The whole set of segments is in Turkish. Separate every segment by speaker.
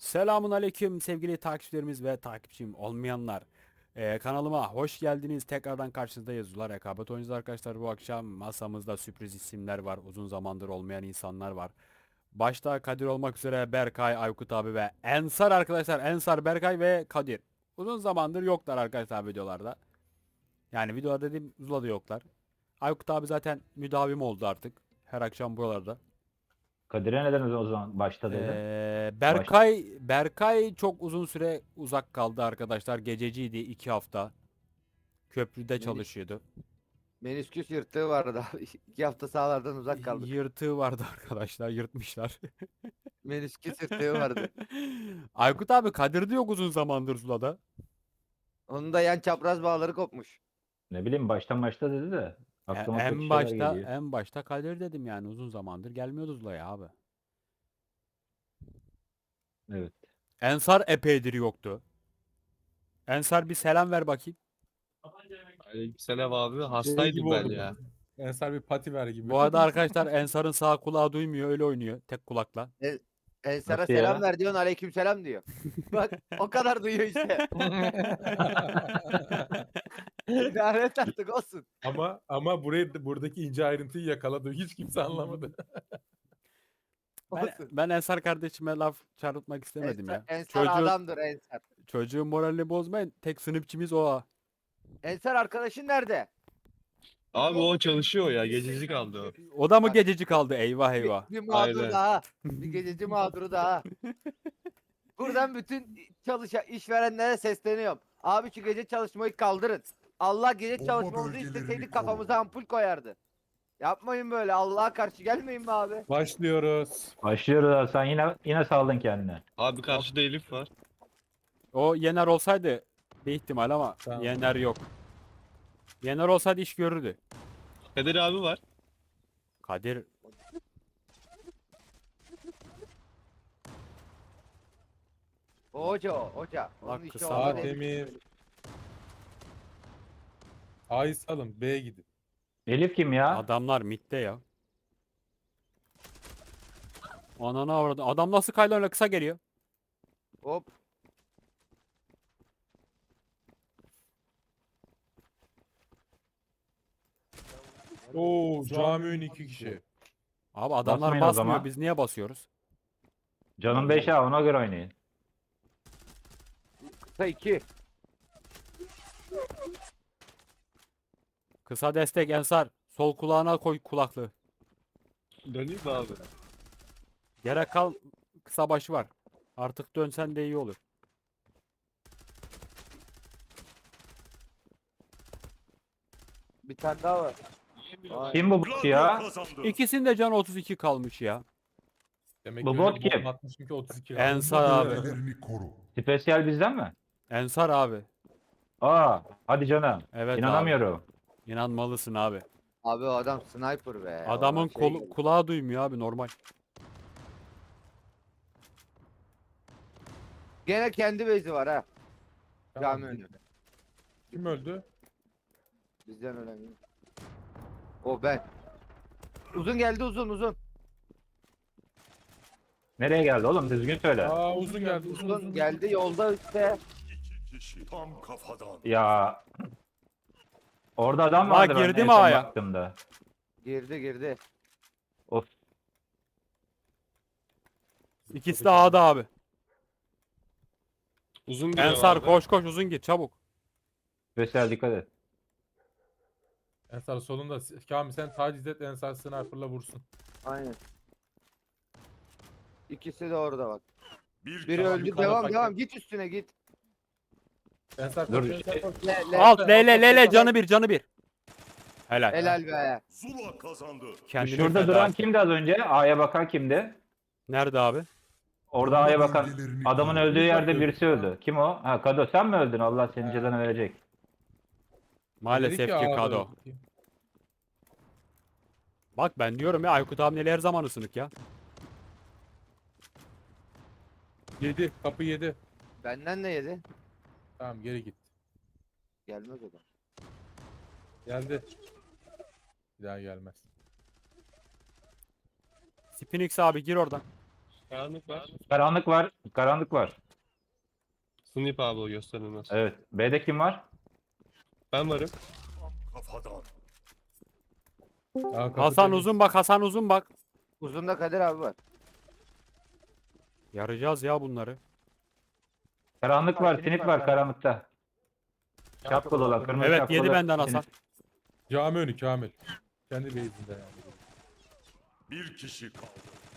Speaker 1: Selamun aleyküm sevgili takipçilerimiz ve takipçim olmayanlar. Kanalıma hoş geldiniz. Tekrardan karşınızdayız. Zula Rekabet oyuncusu arkadaşlar. Bu akşam masamızda sürpriz isimler var. Uzun zamandır olmayan insanlar var. Başta Kadir olmak üzere Berkay, Aykut abi ve Ensar arkadaşlar. Ensar, Berkay ve Kadir. Uzun zamandır yoklar arkadaşlar videolarda. Yani videoda dediğim Zula'da yoklar. Aykut abi zaten müdavim oldu artık. Her akşam buralarda.
Speaker 2: Kadir'e neden o zaman başta dedin? Baş.
Speaker 1: Berkay çok uzun süre uzak kaldı arkadaşlar. Gececiydi 2 hafta. Köprüde
Speaker 3: Meni-
Speaker 1: çalışıyordu.
Speaker 3: Menisküs yırtığı vardı abi. 2 hafta sahalardan uzak kaldık.
Speaker 1: Yırtığı vardı arkadaşlar. Yırtmışlar.
Speaker 3: Menisküs yırtığı vardı.
Speaker 1: Aykut abi Kadir de yok uzun zamandır Zula'da.
Speaker 3: Onun da yan çapraz bağları kopmuş.
Speaker 2: Ne bileyim başta dedi de aklıma kötü
Speaker 1: En
Speaker 2: şeyler
Speaker 1: başta
Speaker 2: geliyor.
Speaker 1: en başta Kadir dedim yani uzun zamandır gelmiyordu Zula'ya abi.
Speaker 2: Evet.
Speaker 1: Ensar epeydir yoktu. Ensar bir selam ver bakayım.
Speaker 4: Aleykümselam abi.
Speaker 5: Şey
Speaker 4: Hastaydım
Speaker 5: gibi
Speaker 4: ben
Speaker 5: oldu.
Speaker 4: ya.
Speaker 5: Ensar bir pati ver gibi.
Speaker 1: Bu arada arkadaşlar Ensar'ın sağ kulağı duymuyor öyle oynuyor tek kulakla.
Speaker 3: Ensar'a
Speaker 2: Nasıl
Speaker 3: selam
Speaker 2: ya?
Speaker 3: ver diyorsun, aleyküm selam diyor. Bak o kadar duyuyor işte. Lanet artık olsun.
Speaker 5: ama buradaki ince ayrıntıyı yakaladı. Hiç kimse anlamadı.
Speaker 1: Ben,
Speaker 3: Olsun.
Speaker 1: ben Ensar kardeşime laf çarpıtmak istemedim ya.
Speaker 3: Ensar adamdır Ensar.
Speaker 1: Çocuğun moralini bozmayın. Tek sınıfçımız o. Ha.
Speaker 3: Ensar arkadaşın nerede?
Speaker 4: Abi o çalışıyor ya. Gececi kaldı o.
Speaker 1: O da mı
Speaker 3: Bak,
Speaker 1: gececi kaldı? Eyvah
Speaker 3: Bir,
Speaker 1: eyvah.
Speaker 3: bir mağdur
Speaker 4: Aynen.
Speaker 3: daha. Bir gececi mağduru daha. Buradan bütün işverenlere sesleniyorum. Abi şu gece çalışmayı kaldırın. Allah gece
Speaker 6: Bomba
Speaker 3: çalışmamızı
Speaker 6: bölgelerini
Speaker 3: isteseydik
Speaker 6: koru.
Speaker 3: kafamıza ampul koyardı. Yapmayın böyle. Allah'a karşı gelmeyin mi abi?
Speaker 5: Başlıyoruz.
Speaker 2: Başlıyoruz abi. Sen yine saldın kendine.
Speaker 4: Abi karşıda Elif var.
Speaker 1: O Yener olsaydı bir ihtimal ama
Speaker 5: Tamam.
Speaker 1: Yener yok. Yener olsaydı iş görürdü.
Speaker 4: Kadir abi var.
Speaker 1: Kadir
Speaker 3: Hoca. Onun
Speaker 1: Bak,
Speaker 3: işi
Speaker 1: kısa
Speaker 3: olmaz.
Speaker 1: var.
Speaker 5: Demir. A'yı salın. B'ye gidin.
Speaker 2: Elif kim ya?
Speaker 1: adamlar midde ya. Ananı avradı. Adam nasıl kaylonla kısa geliyor?
Speaker 3: Hop.
Speaker 5: Oo, cami önü 2 kişi.
Speaker 1: Abi adamlar
Speaker 2: Basmayın o
Speaker 1: basmıyor.
Speaker 2: zaman.
Speaker 1: Biz niye basıyoruz?
Speaker 2: Canım 5 ha, ona göre oynayın.
Speaker 3: Kısa 2.
Speaker 1: Kısa destek Ensar. Sol kulağına koy kulaklığı.
Speaker 4: Döneyim mi abi?
Speaker 1: Gerek kal kısa başı var. Artık dönsen de iyi olur.
Speaker 3: Bir tane daha var. Vay.
Speaker 2: Kim bu bot ya?
Speaker 1: İkisinde can 32 kalmış ya.
Speaker 5: Demek
Speaker 2: Bu
Speaker 5: ki
Speaker 2: bot
Speaker 5: öyle
Speaker 2: kim?
Speaker 5: bomba atmışım ki 32
Speaker 1: En
Speaker 5: kaldı.
Speaker 1: sağ abi.
Speaker 6: Bölgelerini koru.
Speaker 2: Spesyal bizden mi?
Speaker 1: Ensar abi.
Speaker 2: Aa, hadi canım.
Speaker 1: Evet
Speaker 2: İnanamıyorum.
Speaker 1: abi. İnanmalısın abi.
Speaker 3: Abi o adam sniper be.
Speaker 1: Adamın
Speaker 3: O şey gibi.
Speaker 1: kulağı duymuyor abi normal.
Speaker 3: Gene kendi base'i var ha.
Speaker 5: Tamam,
Speaker 3: Cami önü.
Speaker 5: Kim öldü?
Speaker 3: Bizden önemli. O ben. Uzun geldi uzun.
Speaker 2: Nereye geldi oğlum? Düzgün söyle.
Speaker 5: Aa, uzun geldi. Uzun
Speaker 3: Uzun geldi yolda işte.
Speaker 6: Kişi tam kafadan.
Speaker 2: Ya. Orada adam
Speaker 1: Bak,
Speaker 2: vardı ben
Speaker 1: girdi
Speaker 2: en
Speaker 1: mi
Speaker 2: son
Speaker 1: A'ya?
Speaker 2: baktığımda.
Speaker 3: Girdi.
Speaker 2: Of.
Speaker 1: İkisi de A'da abi.
Speaker 4: Uzun giriyor
Speaker 1: Ensar
Speaker 4: abi.
Speaker 1: koş uzun git çabuk.
Speaker 2: Spesyal dikkat et.
Speaker 5: Ensar solunda. Kamil sen taciz et, Ensar sniper'la vursun.
Speaker 3: Aynen. İkisi de orada bak.
Speaker 6: Bir
Speaker 3: Biri
Speaker 5: Tamam,
Speaker 3: öldü.
Speaker 5: yukarıda
Speaker 3: Devam
Speaker 5: takip.
Speaker 3: Git üstüne git.
Speaker 5: Ensar
Speaker 2: Dur,
Speaker 5: koş, Ensar koş.
Speaker 1: Alt Lele canı bir. Helal.
Speaker 3: Helal be.
Speaker 6: Zula kazandı.
Speaker 1: Kendini
Speaker 2: Şurada
Speaker 1: feda
Speaker 2: duran
Speaker 1: etti.
Speaker 2: kimdi az önce? A'ya bakan kimdi?
Speaker 1: Nerede abi?
Speaker 2: Orada A'ya
Speaker 6: Bomba
Speaker 2: bakan
Speaker 6: bölgelerini
Speaker 2: adamın
Speaker 6: koru.
Speaker 2: öldüğü yerde
Speaker 5: bakıyorum.
Speaker 2: birisi öldü. Kim o? Ha, Kado sen mi öldün? Allah senin cezanı verecek.
Speaker 1: Maalesef
Speaker 5: Dedi
Speaker 1: ki
Speaker 5: A'da
Speaker 1: Kado.
Speaker 5: öldü.
Speaker 1: Bak ben diyorum ya Aykut abi her zaman ısınık ya.
Speaker 5: 7. Kapı 7.
Speaker 3: Benden ne yedi?
Speaker 5: Tamam, geri git.
Speaker 3: Gelmez o da.
Speaker 5: Geldi. Bir daha gelmez.
Speaker 1: Spinix abi gir oradan.
Speaker 4: Karanlık var.
Speaker 2: Karanlık var. Karanlık var.
Speaker 4: Sniper abi o gösterilmez.
Speaker 2: Evet. B'de kim var?
Speaker 4: Ben varım.
Speaker 6: Tam kafadan.
Speaker 5: Aa, kapı
Speaker 1: Hasan
Speaker 5: temiz.
Speaker 1: uzun bak, Hasan uzun bak.
Speaker 3: Uzunda Kadir abi var.
Speaker 1: Yarayacağız ya bunları.
Speaker 2: Karanlık var.
Speaker 3: Sinip
Speaker 2: Sinip
Speaker 3: var,
Speaker 2: var karanlıkta. Şapkalı olan kırmızı
Speaker 1: Evet,
Speaker 2: şapkalı.
Speaker 1: yedi benden Hasan.
Speaker 2: sinip.
Speaker 5: Cami önü Kamil. Kendi base'inde yani.
Speaker 6: Bir kişi kaldı.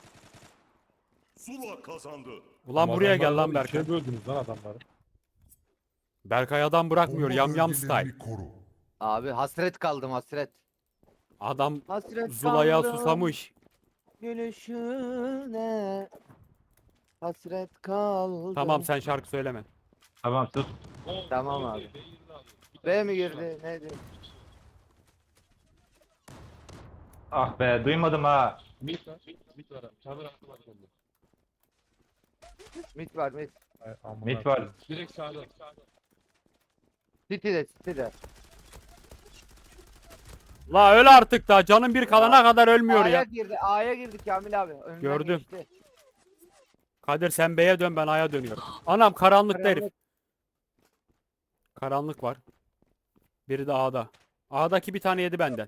Speaker 6: Zula kazandı.
Speaker 1: Ulan
Speaker 5: Ama
Speaker 1: buraya gel
Speaker 5: adamlar
Speaker 1: lan
Speaker 5: var,
Speaker 1: Berkay.
Speaker 5: ikiye böldünüz lan adamları.
Speaker 1: Berkay adam bırakmıyor.
Speaker 6: Bomba
Speaker 1: Yam yam style.
Speaker 6: bölgelerini koru.
Speaker 3: Abi hasret kaldım hasret.
Speaker 1: Adam
Speaker 3: Hasret
Speaker 1: Zula'ya
Speaker 3: kaldım
Speaker 1: susamış.
Speaker 3: gülüşüne. Hasret kaldım.
Speaker 1: Tamam, sen şarkı söyleme.
Speaker 2: Tamam sus.
Speaker 3: Tamam abi. B mi girdi? Neydi?
Speaker 2: Ah be duymadım ha.
Speaker 4: Mid var. Mid var abi. Çadır hakkı var bende.
Speaker 3: Mit var mit.
Speaker 5: Ay, amına
Speaker 2: Mit var.
Speaker 5: koyayım.
Speaker 4: Direkt sağda.
Speaker 3: City'de City'de.
Speaker 1: La öl artık da, canın bir kalana kadar ölmüyor
Speaker 3: A'ya
Speaker 1: ya.
Speaker 3: girdi. A'ya girdi Kamil abi. Önünden
Speaker 1: Gördüm.
Speaker 3: geçti.
Speaker 1: Kadir sen B'ye dön, ben A'ya dönüyorum. Anam karanlıkta herif.
Speaker 3: Karanlık.
Speaker 1: Karanlık var. Biri de A'da. A'daki bir tane yedi benden.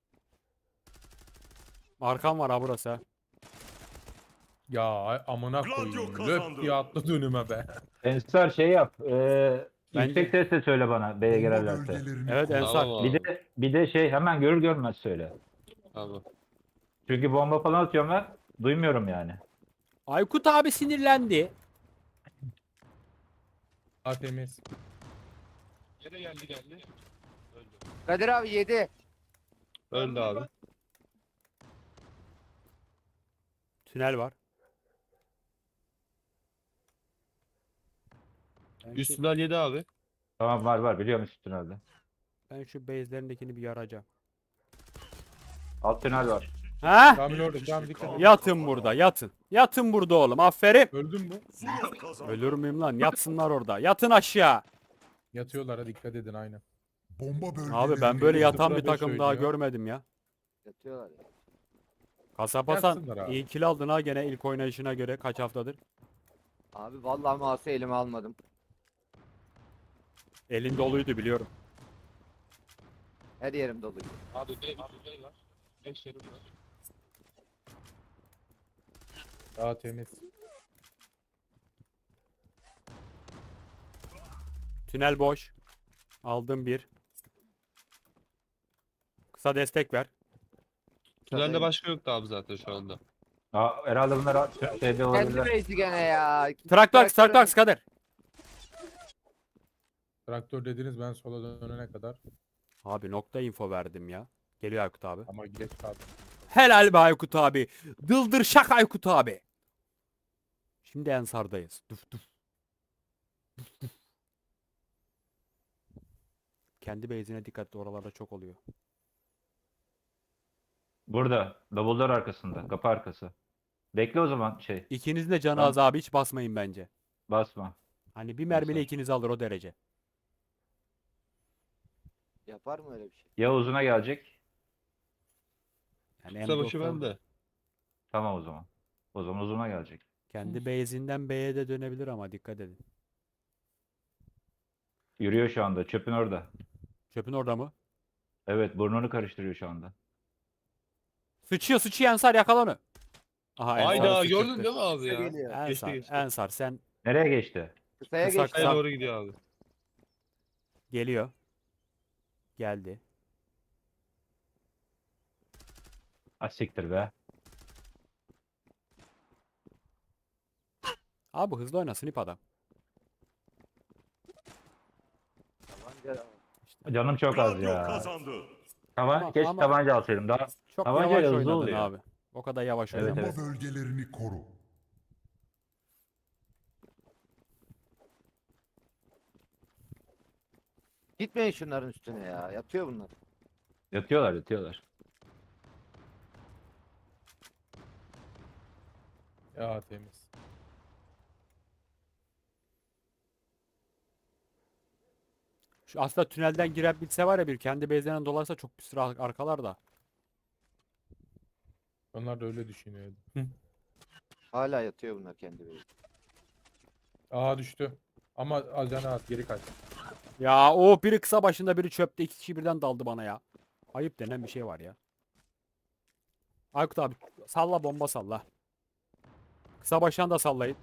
Speaker 1: Arkam var ha burası ha.
Speaker 5: Ya ay, amına
Speaker 6: Gladio
Speaker 5: koyayım.
Speaker 6: kazandı.
Speaker 5: Löp diye atladı önüme be.
Speaker 2: Ensar şey yap.
Speaker 1: Bence-
Speaker 2: Yüksek sesle söyle bana B'ye
Speaker 6: Bomba
Speaker 2: girerlerse.
Speaker 6: bölgelerini
Speaker 1: Evet,
Speaker 6: koru.
Speaker 1: Ensar.
Speaker 4: Tamam abi.
Speaker 2: Bir de şey hemen görür görmez söyle.
Speaker 4: Tamam.
Speaker 2: Çünkü bomba falan atıyorum ben. Duymuyorum yani.
Speaker 1: Aykut abi sinirlendi.
Speaker 5: A temiz.
Speaker 4: Yere geldi. Öldü.
Speaker 3: Kadir abi 7.
Speaker 4: Öldü abi.
Speaker 1: Tünel var.
Speaker 4: Üstünden yedi abi.
Speaker 2: Tamam var biliyorum üst tünelde.
Speaker 1: Ben şu base'lerindekini bir yaracağım.
Speaker 2: Alt tünel var.
Speaker 1: Ha?
Speaker 5: Kamil orada. Kamil dikkat et.
Speaker 1: Yatın burada, yatın. Yatın burada oğlum, aferin.
Speaker 5: Öldün mü?
Speaker 6: Zula kazandı.
Speaker 1: Ölür müyüm lan? Yatsınlar orada. Yatın aşağı.
Speaker 5: Yatıyorlara dikkat edin aynen.
Speaker 6: Bomba bölgelerini
Speaker 1: Abi ben böyle yatan bir
Speaker 5: sıfıra beş
Speaker 1: takım daha
Speaker 5: oynuyor.
Speaker 1: görmedim ya.
Speaker 3: Yatıyorlar ya.
Speaker 1: Kasap Hasan
Speaker 5: Yatsınlar abi.
Speaker 1: iyi kill aldın ha gene ilk oynayışına göre kaç haftadır.
Speaker 3: Abi vallahi mouse'u elime almadım.
Speaker 1: Elin doluydu biliyorum.
Speaker 3: Her yerim dolu.
Speaker 4: Abi B var. 5 yerim var.
Speaker 5: A temiz.
Speaker 1: Tünel boş. Aldım bir. Kısa destek ver.
Speaker 4: Tünelde başka yoktu abi zaten şu anda.
Speaker 2: Herhalde bunlar şeyde
Speaker 3: Kendi
Speaker 2: olabilir.
Speaker 3: base'i gene ya.
Speaker 1: Traktör Kadir.
Speaker 5: Traktör dediniz ben sola dönene kadar.
Speaker 1: Abi nokta info verdim ya. Geliyor Aykut abi.
Speaker 5: Ama geç kaldım.
Speaker 1: Helal be Aykut abi. Dıldır şak Aykut abi. Şimdi Ensar'dayız. Duf duf. Duf duf. Kendi base'ine dikkatli, oralarda çok oluyor.
Speaker 2: Burada. Double'lar arkasında. Kapı arkası. Bekle o zaman şey.
Speaker 1: İkinizin de canı
Speaker 2: Tamam.
Speaker 1: az abi, hiç basmayın bence.
Speaker 2: Basma.
Speaker 1: Hani bir mermiyle
Speaker 2: Basar.
Speaker 1: ikinizi alır o derece.
Speaker 3: Yapar mı öyle bir şey?
Speaker 2: Ya uzuna gelecek.
Speaker 1: Yani
Speaker 4: Kısa başı
Speaker 1: M90
Speaker 4: bende.
Speaker 2: Tamam o zaman. O zaman uzuna gelecek.
Speaker 1: kendi base'inden B'ye de dönebilir ama dikkat edin.
Speaker 2: Yürüyor şu anda. Çöpün orada.
Speaker 1: Çöpün orada mı?
Speaker 2: Evet burnunu karıştırıyor şu anda.
Speaker 1: Sıçıyor Ensar, yakala onu. Aha Ensar
Speaker 4: Hayda
Speaker 1: sıçırttı.
Speaker 4: gördün değil mi abi ya?
Speaker 3: Geliyor.
Speaker 4: Geçti geçti.
Speaker 1: Ensar sen
Speaker 2: Nereye geçti?
Speaker 3: Kısaya
Speaker 1: Kısa-
Speaker 3: geçti.
Speaker 4: Kaya doğru gidiyor abi.
Speaker 1: geliyor. Geldi.
Speaker 2: Siktir be.
Speaker 1: Abi hızlı oyna snip adam.
Speaker 3: Tabanca-
Speaker 2: Canım çok az
Speaker 6: Gladio
Speaker 2: ya.
Speaker 6: kazandı.
Speaker 2: Keşke
Speaker 1: Ama-
Speaker 2: tabanca alsaydım. Daha
Speaker 1: Çok
Speaker 2: Tabancayla
Speaker 1: yavaş
Speaker 2: hızlı
Speaker 1: oynadın
Speaker 2: oluyor.
Speaker 1: abi. O kadar yavaş
Speaker 2: Evet,
Speaker 1: oynadın.
Speaker 6: Bomba
Speaker 2: evet.
Speaker 6: bölgelerini koru.
Speaker 3: Gitmeyin şunların üstüne ya. Yatıyor bunlar.
Speaker 2: yatıyorlar.
Speaker 5: Ya temiz.
Speaker 1: Şu aslında tünelden girebilse var ya, bir kendi base'lerinden dolarsa çok bir sıra arkalar da.
Speaker 5: Onlar da öyle düşünüyordu.
Speaker 3: Hala yatıyor bunlar kendi böyle.
Speaker 5: Aha düştü. Ama alacağını at geri kaç.
Speaker 1: Ya o biri kısa başında biri çöpte, iki kişi birden daldı bana ya. Ayıp denen bir şey var ya. Aykut abi salla, bomba salla. Kısa baştan da sallayın.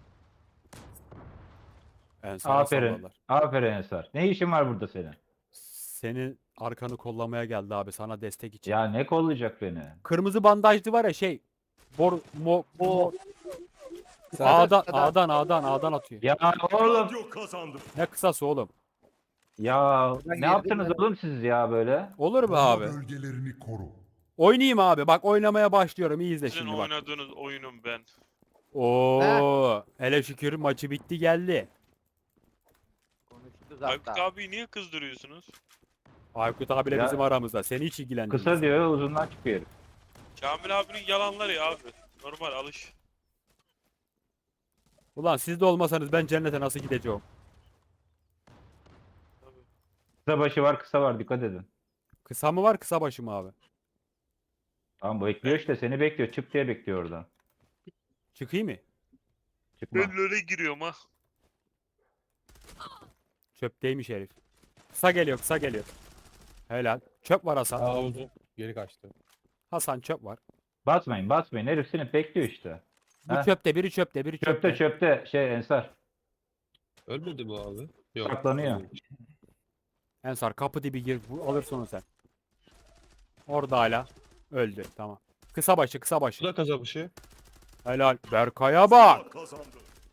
Speaker 1: Ensar'a
Speaker 2: Aferin.
Speaker 1: salladılar.
Speaker 2: Aferin Ensar. Ne işin var burada senin?
Speaker 1: Senin arkanı kollamaya geldi abi, sana destek için.
Speaker 2: Ya ne kollayacak beni?
Speaker 1: Kırmızı bandajlı var ya şey. Bor mo, mo
Speaker 3: Sağda,
Speaker 1: A'dan atıyor.
Speaker 2: Ya oğlum.
Speaker 6: Radyo kazandı.
Speaker 1: Ne kısası oğlum.
Speaker 2: Ya
Speaker 3: Ben
Speaker 2: ne
Speaker 3: girdim
Speaker 2: yaptınız
Speaker 3: ben.
Speaker 2: oğlum siz ya böyle?
Speaker 1: Olur mu
Speaker 6: Bomba
Speaker 1: abi?
Speaker 6: bölgelerini koru.
Speaker 1: Oynayayım abi. Bak oynamaya başlıyorum. İyi izle
Speaker 7: Sizin
Speaker 1: şimdi bak.
Speaker 7: oynadığınız oyunum ben.
Speaker 1: Oo, hele şükür maçı bitti geldi.
Speaker 3: Konuştuk
Speaker 7: Aykut
Speaker 3: hatta.
Speaker 7: abi niye kızdırıyorsunuz?
Speaker 1: Aykut abiyle
Speaker 2: Ya,
Speaker 1: bizim aramızda. Seni hiç ilgilendirmez.
Speaker 2: Kısa diyor uzundan çıkıyor.
Speaker 7: Kamil abinin yalanları ya abi. Normal alış.
Speaker 1: Ulan siz de olmasanız ben cennete nasıl gideceğim?
Speaker 7: Tabii.
Speaker 2: Kısa başı var kısa var dikkat edin.
Speaker 1: Kısa mı var, kısa başı mı abi?
Speaker 2: Tamam bu bekliyor işte seni bekliyor. Çık diye bekliyor oradan.
Speaker 1: Çıkayım mı?
Speaker 2: Çıkma.
Speaker 7: Ben öyle giriyorum ha.
Speaker 1: Çöpteymiş herif. Kısa geliyor, kısa geliyor. Helal. Çöp var Hasan.
Speaker 5: Aa uzun. Geri kaçtı.
Speaker 1: Hasan çöp var.
Speaker 2: Basmayın basmayın herif seni bekliyor işte.
Speaker 1: Bu
Speaker 2: Heh.
Speaker 1: çöpte, biri çöpte, biri çöpte.
Speaker 2: Çöpte çöpte şey Ensar.
Speaker 4: Ölmedi bu abi. Yok.
Speaker 2: Saklanıyor.
Speaker 1: Ensar kapı dibi gir. Alırsın onu sen. Orada hala. Öldü. Tamam. Kısa başı, kısa
Speaker 4: Bu
Speaker 1: başı.
Speaker 4: da kazanmışı.
Speaker 1: Helal. Berkay'a bak.
Speaker 6: Zula kazandı.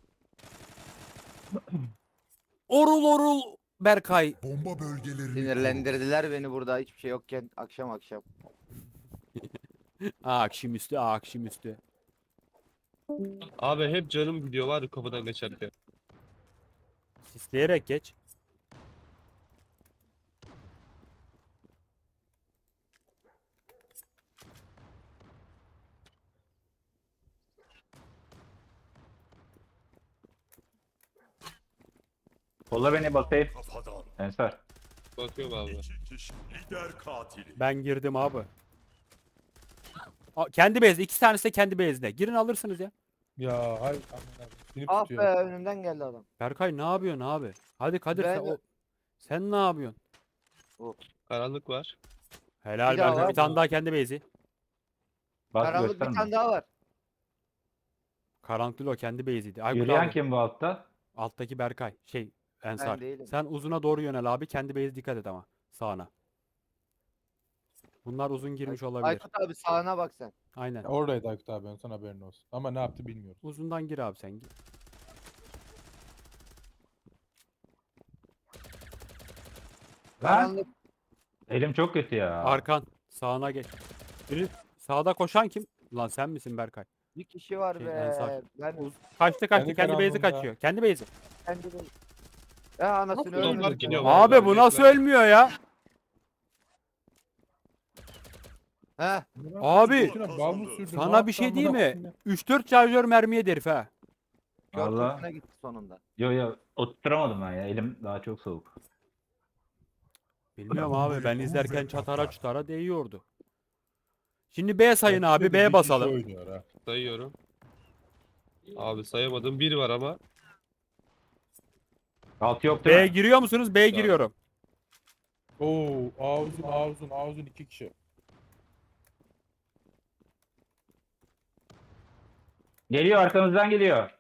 Speaker 1: Orul orul Berkay.
Speaker 6: Bomba bölgelerini koru.
Speaker 3: Sinirlendirdiler beni burada hiçbir şey yokken akşam akşam.
Speaker 1: Akşamüstü, akşamüstü.
Speaker 4: Abi hep canım gidiyor var ya kapıdan geçerken.
Speaker 1: Sisleyerek geç.
Speaker 2: Kolla beni bakayım.
Speaker 6: Kafadan.
Speaker 2: Ensar.
Speaker 4: Bakıyorum abi.
Speaker 6: İki kişi. Lider katili.
Speaker 1: Ben girdim abi. Kendi bezde. İki tanesi de kendi bezde. Girin alırsınız ya.
Speaker 5: Ya hayır. Aman abi. Seni
Speaker 3: Ah
Speaker 5: tutuyor.
Speaker 3: be önümden geldi adam.
Speaker 1: Berkay ne yapıyorsun abi? Hadi Kadir
Speaker 3: Ben-
Speaker 1: sen ne yapıyorsun?
Speaker 4: Karanlık var.
Speaker 1: Helal
Speaker 3: Bir daha
Speaker 1: Berkay.
Speaker 3: var
Speaker 1: Bir tane
Speaker 3: mı?
Speaker 1: daha kendi bezi.
Speaker 2: Bas
Speaker 3: Karanlık bir
Speaker 2: gösterme.
Speaker 3: tane daha var.
Speaker 1: Karanlık değil o, kendi beziydi. Aykut
Speaker 2: Yürüyen
Speaker 1: abi.
Speaker 2: kim bu altta?
Speaker 1: Alttaki Berkay. Şey Ensar.
Speaker 3: değilim.
Speaker 1: Sen uzuna doğru yönel abi. Kendi bezi dikkat et ama. Sağına. Bunlar uzun girmiş olabilir.
Speaker 3: Aykut abi sağına bak sen.
Speaker 1: Aynen.
Speaker 5: Oradaydı Aykut abi. Sana haberin olsun. Ama ne yaptı bilmiyoruz.
Speaker 1: Uzundan gir abi sen. Gir.
Speaker 2: Ben?
Speaker 3: Karanlık
Speaker 2: Elim çok kötü ya.
Speaker 1: Arkan. Sağına geç. Biri sağda koşan kim? Lan sen misin Berkay?
Speaker 3: bir kişi var
Speaker 1: Şey,
Speaker 3: be.
Speaker 1: Ensar.
Speaker 3: Ben
Speaker 1: Kaçtı
Speaker 5: Kendi
Speaker 1: kendi bezi
Speaker 5: karanlığında.
Speaker 1: kaçıyor. Kendi bezi.
Speaker 3: kendi değilim. Ya anasını
Speaker 4: Adamlar
Speaker 3: öldürdüm.
Speaker 4: gidiyor.
Speaker 1: Abi bu nasıl ölmüyor ya?
Speaker 3: Heh.
Speaker 1: Abi,
Speaker 5: Şuna bal mı sürdün?
Speaker 1: sana
Speaker 5: Ne
Speaker 1: bir şey
Speaker 5: yaptın
Speaker 1: diyeyim
Speaker 5: amına
Speaker 1: mi?
Speaker 5: koyayım
Speaker 1: 3-4 şarjör mermiye herif ha.
Speaker 2: Valla.
Speaker 3: Körtüsüne gitti sonunda.
Speaker 2: Yo yo oturtamadım ben ya. Elim daha çok soğuk.
Speaker 1: Bilmiyorum abi, ben izlerken çatara
Speaker 6: patlar.
Speaker 1: çutara değiyordu. Şimdi B sayın
Speaker 5: ya?
Speaker 1: abi,
Speaker 5: Bir
Speaker 1: B'ye
Speaker 5: kişi
Speaker 1: basalım.
Speaker 5: oynuyor ha.
Speaker 4: Sayıyorum. Abi sayamadım. Bir var ama.
Speaker 2: Altı yok değil
Speaker 1: B'ye
Speaker 2: mi?
Speaker 1: giriyor musunuz? B'ye
Speaker 4: Tamam.
Speaker 1: giriyorum.
Speaker 5: Oo, ağzın iki kişi.
Speaker 2: Geliyor arkamızdan geliyor.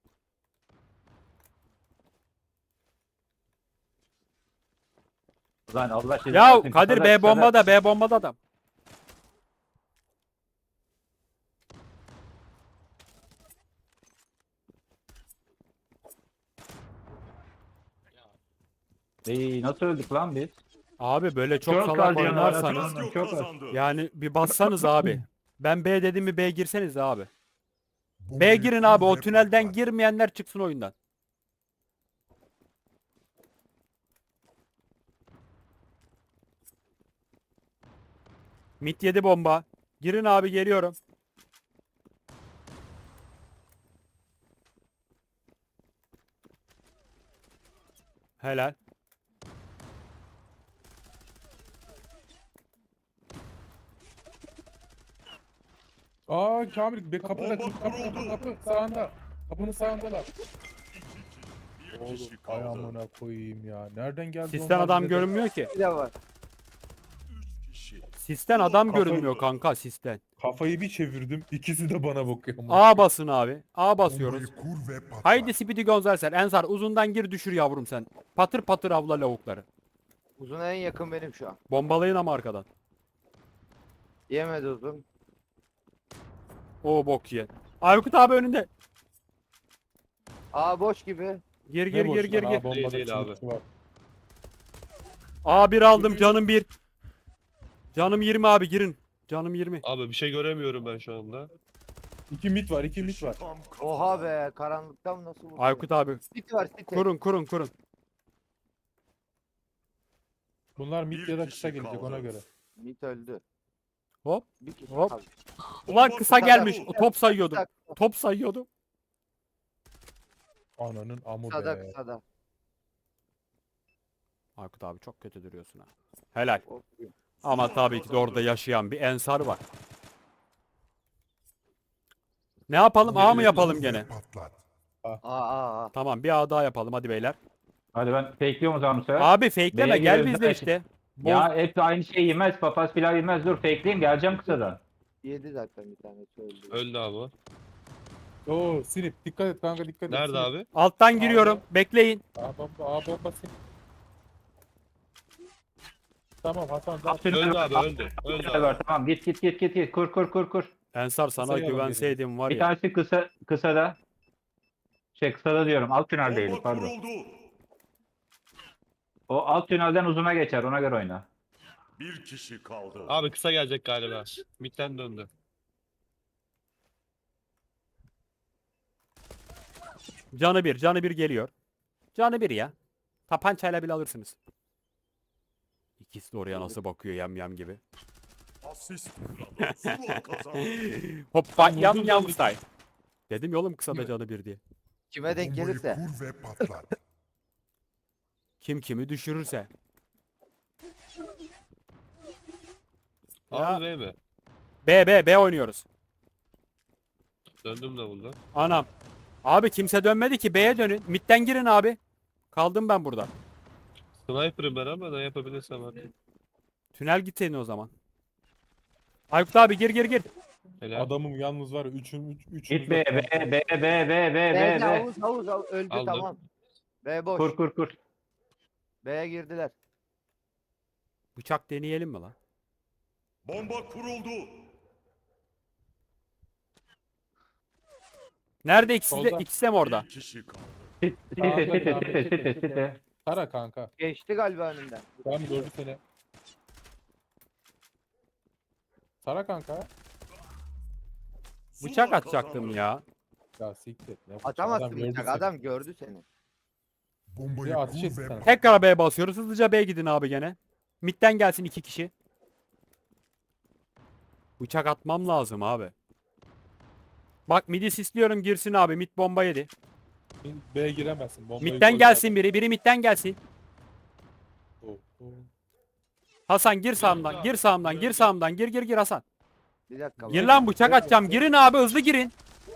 Speaker 2: Ulan Allah cezanı
Speaker 1: Ya
Speaker 2: versin,
Speaker 1: Kadir
Speaker 2: kısada,
Speaker 1: B
Speaker 2: kısada.
Speaker 1: bombada, B bombada adam.
Speaker 2: Nasıl öldük lan biz?
Speaker 1: Abi böyle çok
Speaker 2: Çok
Speaker 1: salak
Speaker 2: kaldı ya,
Speaker 1: oynarsanız
Speaker 6: Radyo
Speaker 2: çok az.
Speaker 6: kazandı.
Speaker 1: yani bir bassanız abi. Ben B dedim mi B girseniz abi.
Speaker 6: Bombayı
Speaker 1: B girin abi, o
Speaker 6: kur ve
Speaker 1: tünelden
Speaker 6: patlat.
Speaker 1: girmeyenler çıksın oyundan. Mit 7 bomba. Girin abi, geliyorum. Helal.
Speaker 5: Aa Kamil be kapıda kapı sağında. Kapının sağındalar.
Speaker 6: Bir
Speaker 5: Oğlum
Speaker 6: kişi
Speaker 5: ay
Speaker 6: kaldı.
Speaker 5: amına koyayım ya. Nereden geldi
Speaker 1: Sisten
Speaker 5: onlar
Speaker 1: adam
Speaker 5: bize de?
Speaker 1: görünmüyor ki.
Speaker 3: Bir de var.
Speaker 6: 3 kişi.
Speaker 1: Sisten adam
Speaker 5: Kafayı-
Speaker 1: görünmüyor kanka sisten.
Speaker 5: Kafayı bir çevirdim. İkisi de bana bakıyor.
Speaker 1: A basın abi. A basıyoruz.
Speaker 6: Bombayı kur ve patlat.
Speaker 1: Haydi Speedy Gonzales. Ensar uzundan gir düşür yavrum sen. Patır patır avla lavukları.
Speaker 3: Uzun en yakın benim şu an.
Speaker 1: Bombalayın ama arkadan.
Speaker 3: Yemedi uzun.
Speaker 1: O bok ye. Aykut abi önünde.
Speaker 3: Aa boş gibi.
Speaker 1: Gir
Speaker 5: Ne
Speaker 1: gir
Speaker 5: boş
Speaker 1: gir
Speaker 5: lan,
Speaker 1: gir
Speaker 5: ha,
Speaker 1: gir.
Speaker 5: bombada
Speaker 4: Değil abi.
Speaker 5: çığlıkçı var.
Speaker 1: A bir aldım canım 1. Canım 20 abi girin. Canım 20.
Speaker 4: Abi bir şey göremiyorum ben şu anda.
Speaker 5: 2 mit var, 2 mit var.
Speaker 6: Tam kafadan.
Speaker 3: Oha be karanlıktan nasıl vurdu?
Speaker 1: Aykut abi
Speaker 3: City var City.
Speaker 1: kurun.
Speaker 5: Bunlar
Speaker 6: Bir
Speaker 5: mit ya da
Speaker 6: kişi
Speaker 5: kısa gelecek
Speaker 6: kaldı.
Speaker 5: ona göre.
Speaker 3: Mit öldü.
Speaker 1: Hop.
Speaker 3: Bir kişi
Speaker 1: Hop.
Speaker 3: kaldı.
Speaker 1: Ulan kısa
Speaker 3: Kısa
Speaker 1: gelmiş.
Speaker 3: da-
Speaker 1: Top sayıyordum.
Speaker 3: Kısa-
Speaker 1: Top sayıyordum.
Speaker 5: Ananın amı
Speaker 3: Kısada
Speaker 5: be.
Speaker 3: kısada.
Speaker 1: Aykut abi çok kötü duruyorsun ha. Helal.
Speaker 3: Of.
Speaker 1: Ama tabii ki de orada yaşayan bir Ensar var. Ne yapalım? A mı yapalım
Speaker 6: Kur ve
Speaker 1: gene?
Speaker 6: patlat.
Speaker 3: Aa.
Speaker 1: Tamam bir A daha yapalım hadi beyler.
Speaker 2: Hadi ben fakeliyorum o zaman bu sefer.
Speaker 1: Abi fakeleme
Speaker 2: B'ye
Speaker 1: gel
Speaker 2: giriyoruz,
Speaker 1: bizle
Speaker 2: ben-
Speaker 1: işte.
Speaker 2: Ya hep aynı şeyi yemez. Papaz pilav yemez. Dur fakeleyeyim geleceğim kısadan.
Speaker 3: Yedi zaten bir tanesi öldü.
Speaker 4: Öldü abi.
Speaker 5: Oo sinip dikkat et kanka dikkat et.
Speaker 4: Nerede
Speaker 5: sinip.
Speaker 4: abi?
Speaker 1: Alttan giriyorum. Bekleyin.
Speaker 5: A bomba sinip. Tamam Hasan.
Speaker 4: Öldü abi öldü. Öldü abi.
Speaker 2: Var, tamam git. Kur.
Speaker 1: Ensar sana
Speaker 5: Kısaya bak
Speaker 1: güvenseydim var
Speaker 2: Bir
Speaker 1: ya.
Speaker 2: tanesi kısada. Kısada diyorum. Alt tüneldeydi
Speaker 6: Bomba
Speaker 2: pardon.
Speaker 6: kuruldu.
Speaker 2: O alt tünelden uzuna geçer. Ona göre oyna.
Speaker 6: Bir kişi kaldı.
Speaker 4: Abi kısa gelecek galiba. Mid'den döndü.
Speaker 1: Canı bir geliyor. Canı bir ya. Tapancayla bile alırsınız. İkisi de oraya nasıl bakıyor yam gibi.
Speaker 6: Asist kralı. Zula kazandı.
Speaker 1: Hoppa
Speaker 5: Vurdum
Speaker 1: yam
Speaker 5: canını.
Speaker 1: style. Dedim ya oğlum kısada canı bir diye.
Speaker 3: Kime denk
Speaker 6: Bombayı
Speaker 3: gelirse.
Speaker 6: kur ve patlat.
Speaker 1: Kim kimi düşürürse.
Speaker 4: Abi B mi?
Speaker 1: B oynuyoruz.
Speaker 4: Döndüm de bunda.
Speaker 1: Anam. Abi kimse dönmedi ki B'ye dönün. Mid'den girin abi. Kaldım ben burada.
Speaker 4: Sniper'ım ben ama ne yapabilirsem artık.
Speaker 1: Tünel gitseydin o zaman. Aykut abi gir.
Speaker 4: Helal.
Speaker 5: Adamım yalnız var ya üçün.
Speaker 2: Git B.
Speaker 3: B'de havuz öldü
Speaker 4: Aldım.
Speaker 3: tamam. B boş.
Speaker 2: Kur.
Speaker 3: B'ye girdiler.
Speaker 1: Bıçak deneyelim mi lan?
Speaker 6: Bomba kuruldu.
Speaker 1: Nerede ikisi de,
Speaker 5: Solda.
Speaker 1: ikisi de mi orada?
Speaker 6: Bir kişi kaldı.
Speaker 2: Site.
Speaker 5: Tara kanka.
Speaker 3: Geçti galiba önünden.
Speaker 5: Tamam gördü seni. Tara kanka.
Speaker 1: Bıçak
Speaker 6: Zula
Speaker 1: atacaktım
Speaker 6: kazandı.
Speaker 1: ya.
Speaker 5: Ya siktir. Ne bu?
Speaker 3: Atamazsın
Speaker 5: Adam gördü
Speaker 3: bıçak.
Speaker 5: seni.
Speaker 3: Adam gördü seni.
Speaker 6: Bombayı
Speaker 5: Bir ateş
Speaker 6: kur
Speaker 5: etsin
Speaker 6: ve
Speaker 5: sana.
Speaker 1: Tekrar B basıyoruz. Hızlıca B gidin abi gene. Mid'den gelsin 2 kişi. Bıçak atmam lazım abi. Bak mid'i sisliyorum girsin abi. Mid bomba yedi.
Speaker 5: B'ye giremezsin. Bombayı
Speaker 1: Mid'den
Speaker 5: koy
Speaker 1: gelsin biri. Biri mid'den gelsin.
Speaker 5: zaten.
Speaker 1: Hasan gir sağımdan. Gir sağımdan. Gir sağımdan. Gir Hasan.
Speaker 3: Bir dakika.
Speaker 1: Gir lan bıçak atacağım. Girin abi hızlı girin.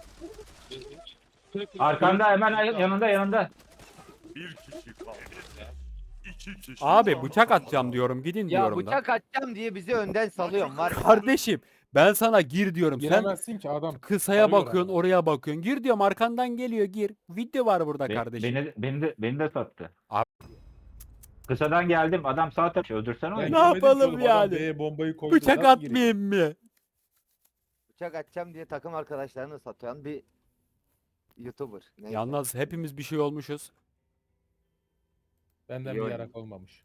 Speaker 2: Arkanda hemen yanında.
Speaker 6: bir kişi kaldı. İki kişi
Speaker 1: Abi
Speaker 6: kaldı.
Speaker 1: bıçak atacağım diyorum. Gidin
Speaker 3: Ya
Speaker 1: diyorum da.
Speaker 3: bıçak atacağım diye bizi önden salıyorsun var. ya.
Speaker 1: Kardeşim ben sana gir diyorum. Sen
Speaker 5: Giremezsin ki adam.
Speaker 1: kısaya
Speaker 5: arıyor
Speaker 1: bakıyorsun
Speaker 5: ama.
Speaker 1: oraya bakıyorsun. Gir diyorum arkandan geliyor gir. Video var burada kardeşim.
Speaker 2: Beni de sattı.
Speaker 1: Abi-
Speaker 2: Kısadan geldim. Adam sağ tarafı öldürsene
Speaker 5: Ben
Speaker 2: onu.
Speaker 1: Ne
Speaker 5: girmedim ki
Speaker 1: yapalım
Speaker 5: oğlum,
Speaker 1: yani?
Speaker 5: Adam B'ye bombayı koydu.
Speaker 1: Bıçak
Speaker 5: Nasıl gireyim?
Speaker 1: atmayayım mı?
Speaker 3: Bıçak atacağım diye takım arkadaşlarını satan bir YouTuber. Neyse.
Speaker 1: Yalnız hepimiz bir şey olmuşuz.
Speaker 5: Benden
Speaker 3: İyi
Speaker 5: bir
Speaker 3: oyun.
Speaker 5: yarak olmamış.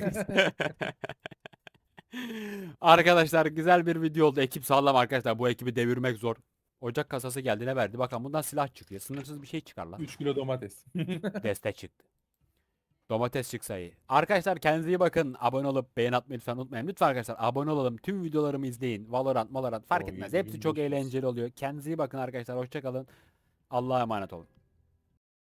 Speaker 1: Arkadaşlar güzel bir video oldu. Ekip sağlam arkadaşlar. Bu ekibi devirmek zor. Ocak kasası geldi ne verdi? Bakalım bundan silah çıkıyor. Sınırsız bir şey çıkar lan.
Speaker 5: 3 kilo domates.
Speaker 1: Deste çıktı. Domates çıksa iyi. Arkadaşlar kendinize iyi bakın. Abone olup beğen atmayı lütfen unutmayın. Lütfen arkadaşlar abone olalım. Tüm videolarımı izleyin. Valorant fark
Speaker 5: O
Speaker 1: etmez.
Speaker 5: 7.500.
Speaker 1: Hepsi çok eğlenceli oluyor. Kendinize iyi bakın arkadaşlar. Hoşça kalın. Allah'a emanet olun.